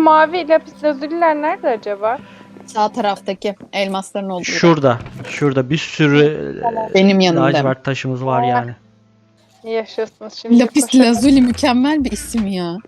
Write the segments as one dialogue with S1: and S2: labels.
S1: mavi lapis lazuliler nerede acaba?
S2: Sağ taraftaki elmasların olduğu.
S3: Şurada. Şurada bir sürü
S2: Benim yanımda.
S3: lacivert taşımız var yani.
S1: Yaşasın şimdi.
S2: Lapis
S1: koşalım.
S2: lazuli mükemmel bir isim ya.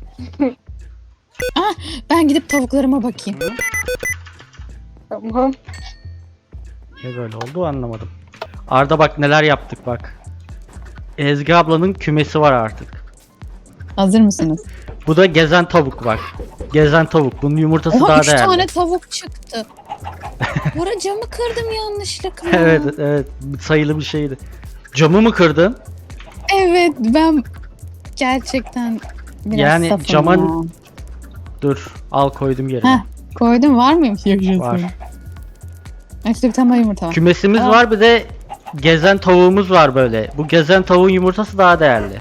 S2: Ah, ben gidip tavuklarıma bakayım.
S1: Tamam.
S3: Ne böyle oldu anlamadım. Arda bak neler yaptık bak. Ezgi ablanın kümesi var artık.
S2: Hazır mısınız?
S3: Bu da gezen tavuk bak. Gezen tavuk. Bunun yumurtası
S2: Oha,
S3: daha
S2: 3
S3: değerli.
S2: tane tavuk çıktı. Bora camı kırdım yanlışlıkla.
S3: Evet evet sayılı bir şeydi. Camı mı kırdın?
S2: Evet, ben gerçekten biraz
S3: Yani
S2: safım
S3: camın-
S2: ya.
S3: Dur al koydum yerine.
S2: Heh, koydum, var mıymış yaşasın?
S3: Var.
S2: İşte bir tane yumurta var.
S3: Kümesimiz
S2: Aa.
S3: var bir de gezen tavuğumuz var böyle. Bu gezen tavuğun yumurtası daha değerli.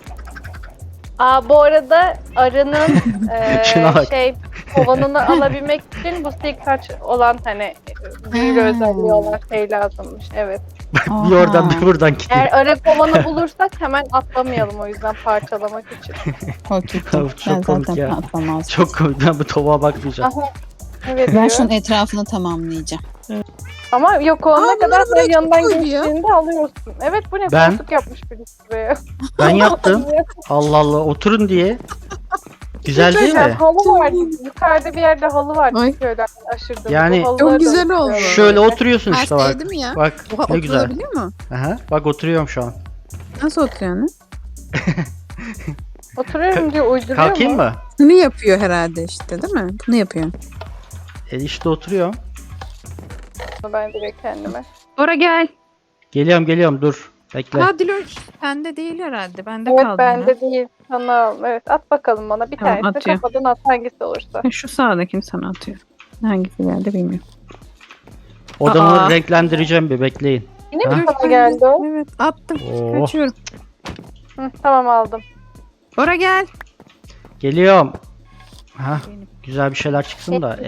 S1: Bu arada arının
S3: Şuna bak.
S1: kovanını alabilmek için bu kaç olan hani büyülü özelliği olan şey lazımmış. Evet.
S3: Bir oradan bir buradan gidiyor.
S1: Eğer arı kovanı bulursak hemen atlamayalım o yüzden parçalamak için.
S2: Okey.
S3: Çok
S2: Ben
S3: komik
S2: zaten
S3: ya.
S2: patlamaz.
S3: Çok komik. Ben bu tavuğa bakmayacağım.
S1: Aha. Evet
S2: Ben
S1: diyor.
S2: şunun etrafını tamamlayacağım.
S1: Ama yok olana kadar
S4: bunları buraya
S1: böyle yanından
S4: kim koydu ya?
S1: geçtiğinde alıyorsun. Evet bu ne
S3: Ben-
S1: koltuk yapmış birisi buraya.
S3: Ben yaptım. Allah Allah oturun diye. Güzel değil mi?
S1: Halı vardı. Yukarıda bir yerde halı vardı.
S4: Ay.
S1: Şöyle aşırdım.
S3: Yani-
S4: Çok güzel oldu.
S3: Şöyle oturuyorsun
S4: Her
S3: işte
S4: şey
S3: bak.
S4: değil mi ya?
S3: Bak
S4: Oha,
S3: ne güzel.
S4: oturabiliyor mu?
S3: Aha, bak oturuyorum şu an.
S4: Nasıl oturuyor ne?
S1: Oturuyorum diyor uyduruyor
S3: Kalkayım
S1: mu?
S3: mı?
S4: Bunu yapıyor herhalde işte değil mi? Bunu yapıyor.
S3: İşte oturuyorum.
S1: Ben direkt kendime.
S4: Bora gel.
S3: Geliyorum dur. Bekle.
S4: Ha Diloş. Bende değil herhalde. Bende
S1: Evet
S4: kaldı
S1: bende değil. Sana al. Evet at bakalım bana. Bir
S4: Tamam,
S1: tanesini
S4: atıyorum.
S1: kafadan at hangisi olursa.
S4: yine. Şu sağdakini sana atıyorum. Hangisi geldi bilmiyorum.
S3: Odamı
S4: Aa.
S3: renklendireceğim bir bekleyin.
S1: Yine
S3: Ha?
S1: mi sana geldi o?
S4: Evet attım.
S3: Oo.
S4: Kaçıyorum.
S1: Hı, tamam aldım.
S4: Bora gel.
S3: Geliyorum. Ha,
S4: Benim.
S3: güzel bir şeyler çıksın da.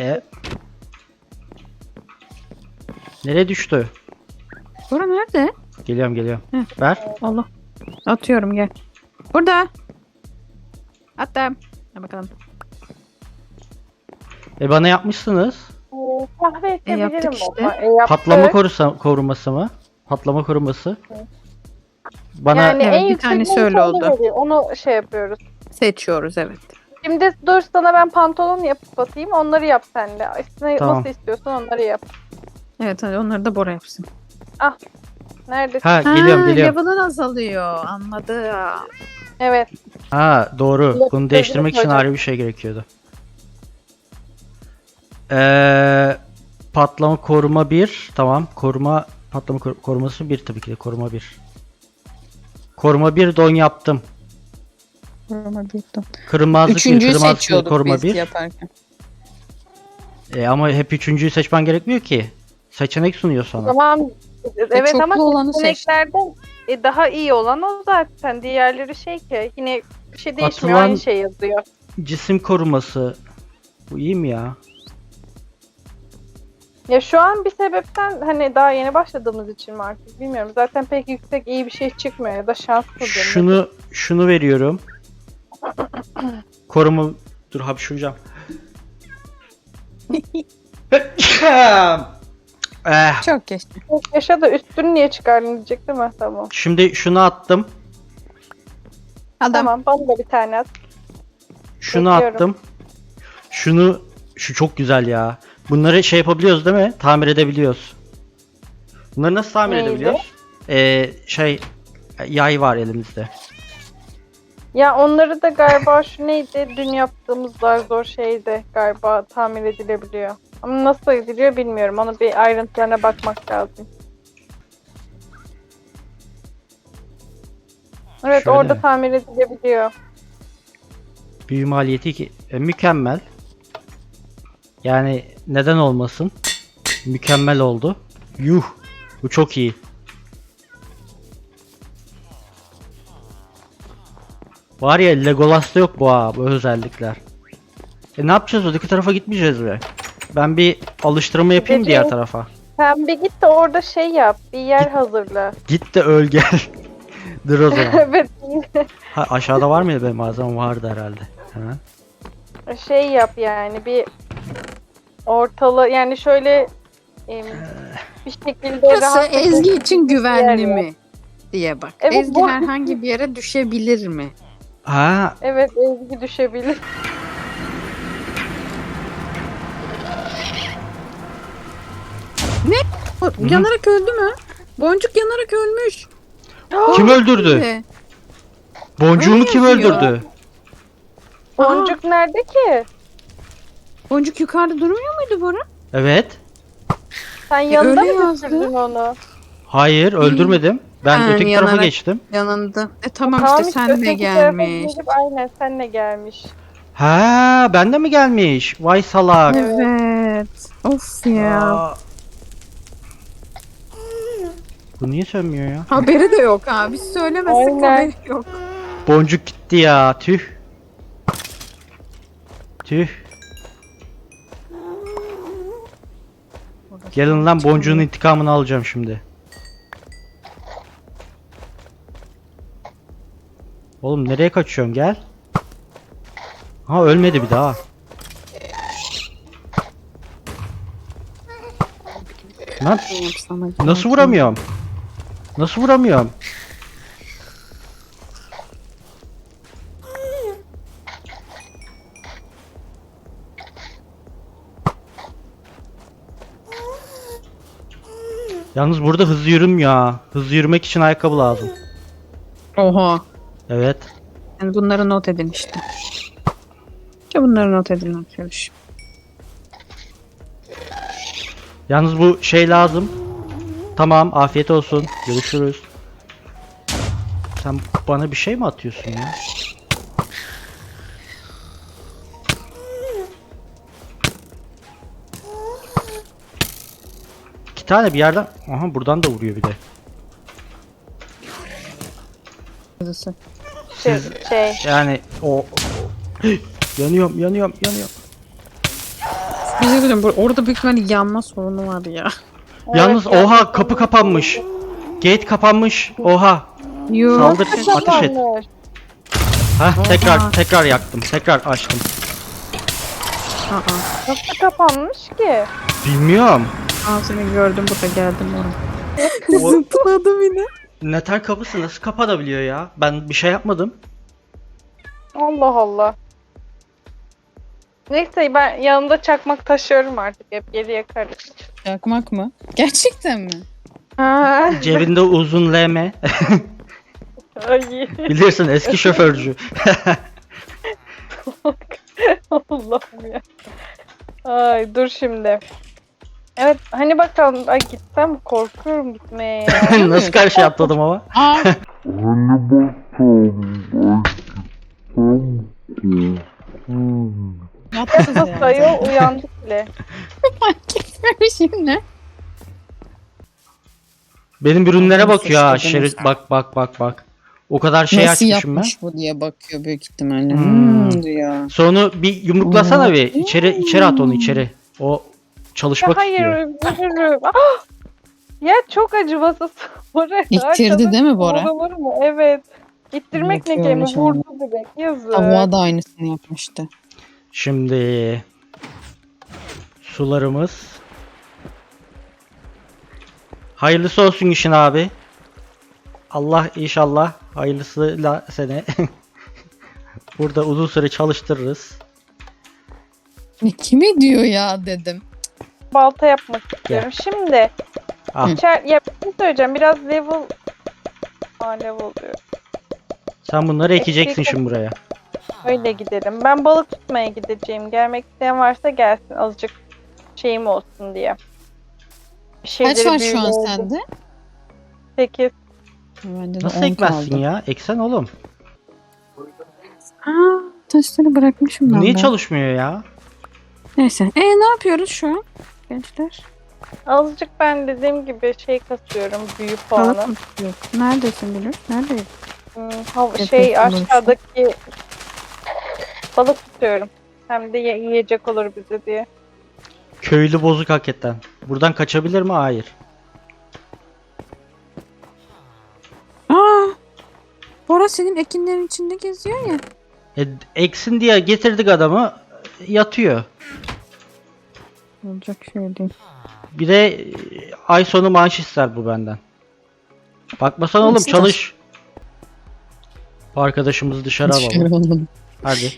S3: Nereye düştü?
S4: Bora nerede?
S3: Geliyorum.
S4: Hı.
S3: Ver.
S4: Allah. Atıyorum gel. Burada. Attım. Ha bakalım.
S3: Bana yapmışsınız.
S1: Kahve içebilirim
S4: yaptık işte.
S1: ama. Yaptık.
S3: Patlama koruması mı? Patlama koruması. Bana
S1: Yani
S4: Evet,
S1: en
S4: bir
S1: yüksek
S4: tanesi
S1: neyse
S4: öyle
S1: onu
S4: oldu.
S1: veriyor. Onu şey yapıyoruz.
S4: Seçiyoruz evet.
S1: Şimdi dur sana ben pantolon yapıp atayım. Onları yap sen de. Üstüne
S3: Tamam.
S1: nasıl istiyorsan onları yap.
S4: Evet hadi onları da Bora yapsın.
S1: Neredesin?
S3: ha geliyorum.
S4: Level'ın azalıyor. Anladım.
S1: Evet.
S3: Ha doğru.
S1: Yok,
S3: Bunu değiştirmek için
S1: hocam.
S3: ayrı bir şey gerekiyordu. Patlama koruma 1. Tamam. Koruması 1 tabii ki de koruma 1. Koruma 1 don yaptım.
S4: Koruma büyüktüm.
S3: Kırılmazlık 1,
S2: Üçüncüyü
S3: kırılmazlık 1,
S2: seçiyorduk
S3: koruma
S2: biz
S3: 1.
S2: yaparken.
S3: Ama hep üçüncüyü seçmen gerekmiyor ki. Seçenek sunuyor sana.
S1: Tamam. Evet
S2: çoklu
S1: ama
S2: olanı seç.
S1: seçeneklerden daha iyi olan o zaten. Diğerleri şey ki yine bir şey değişmiyor.
S3: Atılan-
S1: Aynı şey yazıyor.
S3: Cisim koruması. Bu iyi mi ya?
S1: Ya şu an bir sebepten hani daha yeni başladığımız için mi artık bilmiyorum. Zaten pek yüksek iyi bir şey çıkmıyor ya da şanslı
S3: Şunu veriyorum. Koruma dur hapşuracağım.
S2: Çok geçti.
S1: Yaşa da üstünü niye çıkardın diyecek değil mi? Tamam.
S3: Şimdi şunu attım.
S2: Adam.
S1: Tamam bana da bir tane at.
S3: Şunu
S1: Bekliyorum.
S3: attım. Şu çok güzel ya. Bunları şey yapabiliyoruz değil mi? Tamir edebiliyoruz. Bunları nasıl tamir
S1: Neydi?
S3: edebiliyoruz? Yay var elimizde.
S1: Ya onları da galiba şu neydi? Dün yaptığımız zor şeydi galiba tamir edilebiliyor. Ama nasıl ediliyor bilmiyorum. Onu bir ayrıntılarına bakmak lazım. Evet
S3: Şöyle
S1: orada
S3: mi?
S1: tamir edilebiliyor.
S3: Büyü maliyeti mükemmel. Yani neden olmasın? Mükemmel oldu. Yuh. Bu çok iyi. Var ya Legolas'ta yok bu özellikler. Ne yapacağız öteki tarafa gitmeyeceğiz mi? Ben bir alıştırma yapayım diğer
S1: Gideceğiz.
S3: tarafa.
S1: Sen bir git de orada şey yap. Bir yer hazırla.
S3: Git de öl gel. Dur o zaman.
S1: Evet.
S3: Ha, aşağıda var mıydı benim malzemem vardı herhalde. Hemen.
S1: şey yap yani bir ortalı yani şöyle bir şekilde
S4: Burası
S1: rahat
S4: Ezgi için
S1: bir yer
S4: güvenli
S1: yap.
S4: mi diye bak.
S1: Evet,
S4: Ezgi
S1: bu-
S4: herhangi bir yere düşebilir mi?
S3: Ha,
S1: Evet, Ezgi düşebilir.
S4: Yanarak öldü mü? Boncuk yanarak ölmüş.
S3: kim öldürdü?
S4: Ne?
S3: Boncuğumu kim
S4: Öyle yazıyor.
S3: öldürdü?
S1: Boncuk nerede ki?
S4: Boncuk yukarıda durmuyor muydu Bora?
S3: Evet.
S1: Sen yanında
S4: öyle
S1: mı
S4: yazdı.
S1: düşürdün onu?
S3: Hayır, öldürmedim. Ben
S4: Ha,
S3: öteki tarafa
S4: yanarak.
S3: geçtim.
S4: Yanında. Tamam
S1: Tamam
S4: işte senle
S1: öteki tarafa
S4: gelmiş.
S1: gidip aynen senle gelmiş.
S3: Ha, bende mi gelmiş? Vay salak.
S4: Evet. Of ya.
S3: Aa. Bu niye sönmüyor ya?
S4: Haberi de yok ha. Biz söylemezsek
S1: Aynen.
S4: haberi yok.
S3: Boncuk gitti ya. Tüh. Tüh. Gelin lan, boncuğun intikamını alacağım şimdi. Oğlum nereye kaçıyorsun, gel. Ha, ölmedi bir daha. Lan nasıl vuramıyorum? Nasıl vuramıyorum? Yalnız burada hızlı yürümüyor ha. Hızlı yürümek için ayakkabı lazım.
S4: Oha.
S3: Evet.
S4: Yani bunları not edin işte. İşte bunları not edin arkadaş.
S3: Yalnız bu şey lazım. Tamam, afiyet olsun. Görüşürüz. Sen bana bir şey mi atıyorsun ya? İki tane bir yerden... Aha, buradan da vuruyor bir de.
S4: Yazısı.
S1: Şey.
S3: Yani o... yanıyorum.
S4: Bir şey söyleyeyim, orada büyük ihtimalle yanma sorunu var ya.
S3: Yalnız
S1: Evet,
S3: oha, kapı kapanmış. Gate kapanmış. Oha.
S4: Yo.
S3: Saldır, ateş et.
S1: Kapanmış.
S3: Hah, tekrar yaktım. Tekrar açtım.
S4: Aa.
S1: Nasıl kapanmış ki?
S3: Bilmiyorum.
S4: Seni gördüm burada geldim oraya.
S3: O
S4: Zıpladım yine.
S3: neter kapısı nasıl kapanabiliyor ya? Ben bir şey yapmadım.
S1: Allah Allah. Neyse ben yanımda çakmak taşıyorum artık, hep geri yakarız.
S2: Yakmak mı? Gerçekten mi?
S1: Ha.
S3: Cebinde uzun LM.
S1: Ay.
S3: Bilirsin, eski şoförcü.
S1: Allah'ım ya. Ay dur şimdi. Evet hani bakalım, ay gitsem mi? Korkuyorum gitmeye ya.
S3: Nasıl karşıya atladım ama?
S2: Aa, yapsın
S1: Nasıl
S2: yani.
S1: ayol, uyandık bile.
S2: Fark etmemiş yine.
S3: Benim ürünlere
S2: Adamı
S3: bakıyor ha.
S2: suçladınız.
S3: Şerit, bak. O kadar şey
S2: Nasıl
S3: açmışım ben.
S2: yapmış bu diye bakıyor büyük ihtimalle.
S3: Hmm.
S2: Diyor.
S3: Sonra bir yumruklasana bir. İçeri at onu içeri. O
S1: Ya
S3: çalışmak
S1: hayır,
S3: istiyor.
S1: üzülürüm. Ah! Ya çok acımasız. Bora,
S2: İttirdi değil mi Bora?
S1: Olur mu? Evet. İttirmek ne
S2: Yapıyor
S1: kelime,
S2: öyle
S1: vurdu direkt. Yazık.
S2: Havva da aynısını yapmıştı.
S3: Şimdi sularımız. Hayırlısı olsun işin abi. Allah inşallah hayırlısıyla seni burada uzun süre çalıştırırız.
S2: Ne kime diyor ya dedim.
S1: Balta yapmak istiyorum. Şimdi
S3: Ah.
S1: ya bir şey söyleyeceğim. Biraz level level diyor.
S3: Sen bunları ekeceksin şimdi buraya.
S1: Öyle gidelim. Ben balık tutmaya gideceğim. Gelmek isteyen varsa gelsin. Azıcık şeyim olsun diye. Bir
S2: Kaç var şu an
S1: büyüleyelim.
S2: sende?
S1: 8.
S2: Bende de
S3: Nasıl
S2: 10
S3: ekmezsin
S2: kaldı.
S3: ya? Eksen oğlum.
S4: Taşları bırakmışım
S3: Bu
S4: ben
S3: niye
S4: de.
S3: çalışmıyor ya?
S4: Neyse. Ne yapıyoruz şu an gençler?
S1: Azıcık ben dediğim gibi şey kasıyorum. Büyü
S4: Balık
S1: puanı.
S4: mı tutuyor? Neredesin Gülür? Neredeyiz?
S1: Şey
S4: Yapıyorsun
S1: aşağıdaki balık tutuyorum. Hem de yiyecek olur bize diye.
S3: Köylü bozuk hakikaten. Buradan kaçabilir mi? Hayır.
S4: Bora senin ekinlerin içinde geziyor ya.
S3: Eksin diye getirdik adamı. yatıyor.
S4: Olacak şey değil.
S3: Bir de ay sonu maaş ister bu benden. Bakmasana oğlum,
S4: İster.
S3: çalış. Bu arkadaşımızı dışarı alalım.
S4: Dışarı alalım.
S3: Hadi.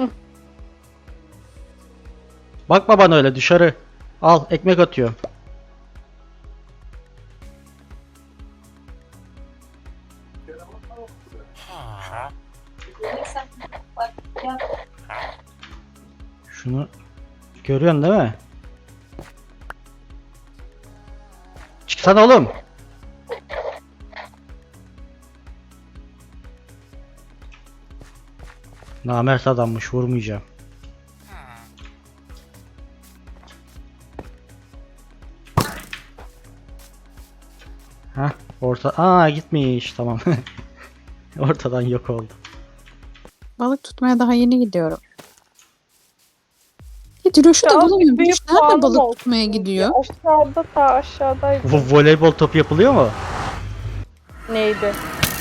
S3: Bakma bana öyle, dışarı. Al, ekmek atıyor. Şunu görüyorsun değil mi? Çıksana oğlum. Namert adammış, vurmayacağım. Hah, gitmiş, tamam. Ortadan yok oldu.
S4: Balık tutmaya daha yeni gidiyorum. Diloş'u da
S1: Ya,
S4: bulamıyorum.
S1: büyük
S4: Diloş nerede
S1: puanım
S4: balık
S1: olsun
S4: tutmaya gidiyor?
S1: Aşağıda ta aşağıdaydı.
S3: Bu voleybol topu yapılıyor mu?
S1: Neydi?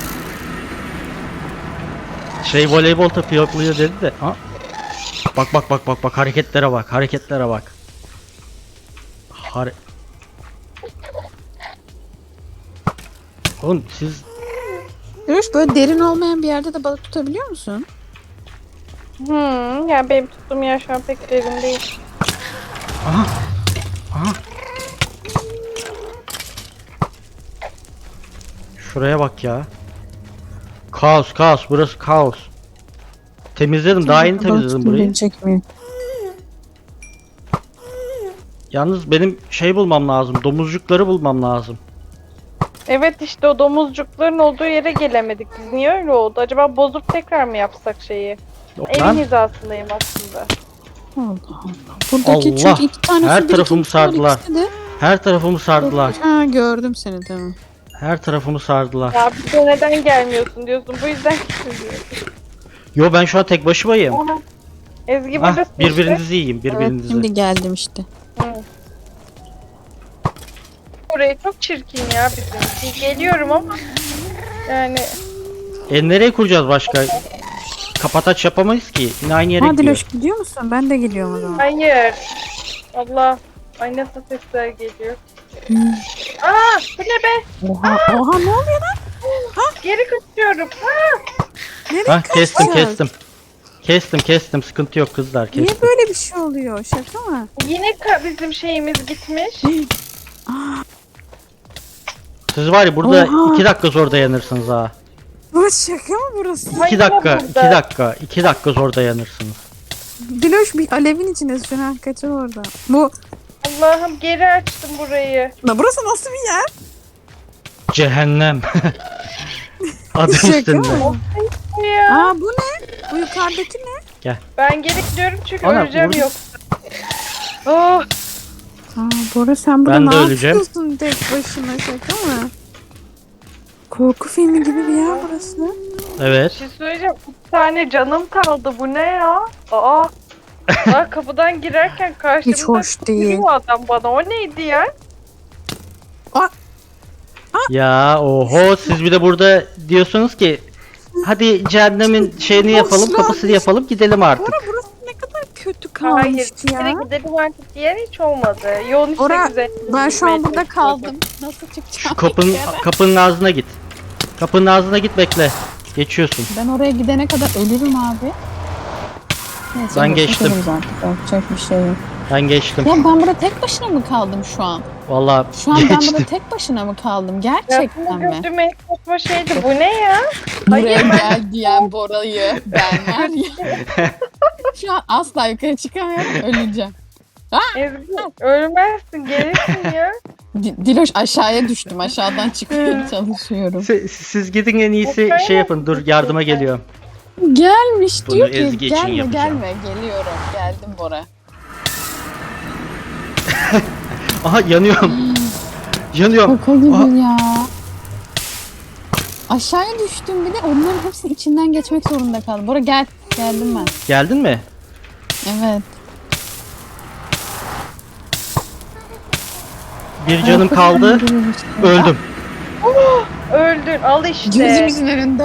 S3: Voleybol topu yapılıyor dedi de. Ha? Bak hareketlere bak, hareketlere bak. Oğlum siz
S4: Diloş böyle derin olmayan bir yerde de balık tutabiliyor musun?
S1: Yani benim tuttuğum yer şu an pek derin değil.
S3: aha. Şuraya bak ya. Kaos, burası kaos. Temizledim, daha yeni temizledim burayı.
S4: Çekmiyor.
S3: Yalnız benim bulmam lazım. Domuzcukları bulmam lazım.
S1: Evet, işte o domuzcukların olduğu yere gelemedik. Biz niye öyle oldu? Acaba bozup tekrar mı yapsak şeyi? Evin
S3: Lan
S1: hizasındayım aslında.
S4: Allah Allah. Buradaki
S3: Allah!
S4: çünkü iki tane
S3: Her
S4: su
S3: tarafımı
S4: birikintisi var,
S3: sardılar.
S4: ikisi de.
S3: her tarafımı sardılar.
S4: Ha, gördüm seni, tamam.
S3: Her tarafımı sardılar.
S1: Ya bize neden gelmiyorsun diyorsun. Bu yüzden gitmiyorsun.
S3: Yo, ben şu an tek başımayım.
S1: Aha. Ezgi
S3: Ah,
S1: buradasın işte.
S3: birbirinizi yiyin,
S4: Evet,
S3: birbirinizi.
S4: şimdi geldim işte.
S1: Burayı çok çirkin ya bizim. Geliyorum ama yani
S3: Nereye kuracağız başka? Kapataç yapamayız ki. Yine aynı yere
S4: Ha
S3: gidiyor.
S4: Diloş gidiyor musun? Ben de geliyorum o zaman.
S1: hayır. Allah. Ay nasıl sesler geliyor. Bu ne be?
S4: Oha, oha, ne oluyor lan?
S1: Geri kaçıyorum.
S4: Nereye
S3: Hah,
S4: kaçacağız?
S3: kestim. Sıkıntı yok kızlar, kestim.
S4: Niye böyle bir şey oluyor? Şaka mı?
S1: Yine bizim şeyimiz gitmiş.
S3: Siz var ya burada
S4: Oha.
S3: 2 dakika zor dayanırsınız ha.
S4: Bu şaka mı burası?
S3: 2
S1: Hayır,
S3: dakika,
S1: burada.
S3: 2 dakika zor dayanırsınız.
S4: Diloş bir alevin içinde şu an, kaçır orada. Bu,
S1: Allah'ım geri açtım burayı.
S4: la burası nasıl bir yer?
S3: Cehennem. Adı
S4: Şaka
S3: üstünde.
S4: mı?
S1: Ya.
S4: Aa, bu ne? Bu yukarıdaki ne?
S1: Ben geri gidiyorum çünkü
S3: Ana,
S1: öleceğim
S3: vur.
S1: yok. Oh,
S4: Aa, Bora sen burada
S3: Ben de
S4: ne
S3: öleceğim.
S4: yapıyorsun tek başına, şaka mı? Korku filmi gibi bir yer burası.
S3: Evet.
S1: bir şey söyleyeceğim. 3 tane canım kaldı. Bu ne ya? Aa. Aa, kapıdan girerken karşımda
S4: Hiç hoş değil.
S1: yürüyor adam bana. O neydi ya?
S3: Ya oho, siz bir de burada diyorsunuz ki hadi cehennemin şeyini yapalım,
S4: Boşver.
S3: kapısını yapalım, gidelim artık.
S4: Bora burası ne kadar kötü
S1: Hayır.
S4: kalmış
S1: Bir
S4: ya.
S1: kere gidelim artık diğer hiç olmadı. Yolun işte
S4: Ora,
S1: güzel.
S4: ben şu an
S1: gitmeye
S4: burada
S1: çalışıyordum.
S4: kaldım. Nasıl çıkacağım?
S3: Şu kapının ağzına git. Kapının ağzına git, bekle. Geçiyorsun.
S4: Ben oraya gidene kadar ölürüm abi. Neyse,
S3: Ben
S4: boşuna
S3: geçtim.
S4: kalırız artık. Yapacak bir şey yok.
S3: Ben geçtim.
S2: Ya ben burada tek başına mı kaldım şu an?
S3: Vallahi
S2: Şu an ben
S3: geçtim.
S2: burada tek başına mı kaldım?
S1: Ya
S2: Gerçekten
S1: bunu
S2: mi?
S1: gördüğüm en saçma şeydi. Bu ne ya?
S2: Buraya
S1: Hayır,
S2: gel diyen Bora'yı ben var ya. Şu an asla yukarı çıkamıyorum, öleceğim.
S1: Ezgi ölmezsin. Gelirsin ya.
S2: Diloş, aşağıya düştüm. Aşağıdan çıkmaya çalışıyorum.
S3: Siz gidin, en iyisi şey yapın. Dur, yardıma geliyorum.
S2: Gelmiş
S3: Bunu
S2: diyor ki
S3: Ezgi için
S2: gelme
S3: yapacağım.
S2: gelme, geliyorum. Geldim Bora.
S3: Aha, yanıyorum. Yanıyorum.
S2: Şaka gibi ya. Aşağıya düştüm, bir de onların hepsinin içinden geçmek zorunda kaldım. Bora gel. Geldim ben.
S3: Geldin mi?
S2: Evet.
S3: Bir canım kaldı. Öldüm.
S1: Öldün. Al işte.
S2: Gözümüzün önünde